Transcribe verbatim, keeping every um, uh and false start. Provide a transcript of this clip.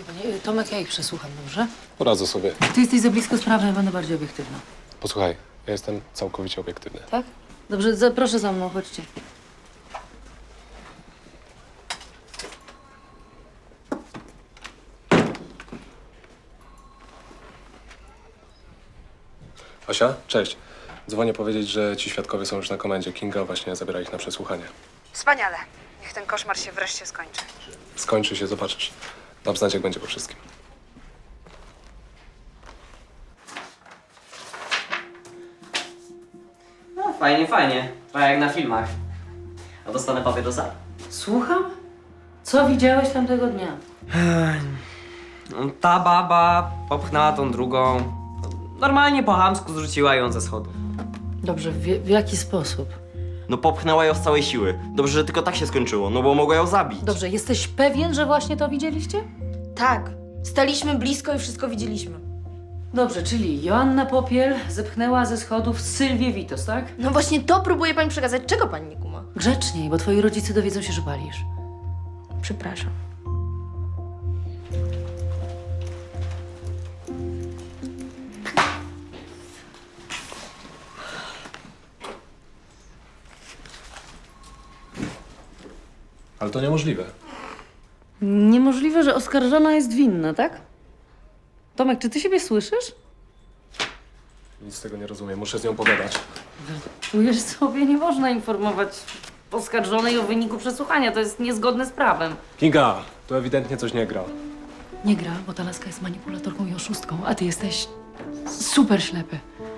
Panie, Tomek, ja ich przesłucham, dobrze? Poradzę sobie. Ty jesteś za blisko sprawy, ja będę bardziej obiektywna. Posłuchaj, ja jestem całkowicie obiektywny. Tak? Dobrze, za, proszę za mną, chodźcie. Asia, cześć. Dzwonię powiedzieć, że ci świadkowie są już na komendzie. Kinga właśnie zabiera ich na przesłuchanie. Wspaniale. Niech ten koszmar się wreszcie skończy. Skończy się, zobaczysz. Dam znać, jak będzie po wszystkim. No, fajnie, fajnie. Trochę jak na filmach. A dostanę papierosa? Słucham? Co widziałeś tamtego dnia? Ta baba popchnęła tą drugą. Normalnie po chamsku zrzuciła ją ze schodów. Dobrze, w, w jaki sposób? No popchnęła ją z całej siły. Dobrze, że tylko tak się skończyło, no bo mogła ją zabić. Dobrze, jesteś pewien, że właśnie to widzieliście? Tak, staliśmy blisko i wszystko widzieliśmy. Dobrze, czyli Joanna Popiel zepchnęła ze schodów Sylwię Witos, tak? No właśnie to próbuje pani przekazać. Czego pani nie kuma? Grzeczniej, bo twoi rodzice dowiedzą się, że palisz. Przepraszam. Ale to niemożliwe. Niemożliwe, że oskarżona jest winna, tak? Tomek, czy ty siebie słyszysz? Nic z tego nie rozumiem. Muszę z nią pogadać. Czujesz sobie, nie można informować oskarżonej o wyniku przesłuchania. To jest niezgodne z prawem. Kinga, tu ewidentnie coś nie gra. Nie gra, bo ta laska jest manipulatorką i oszustką, a ty jesteś super ślepy.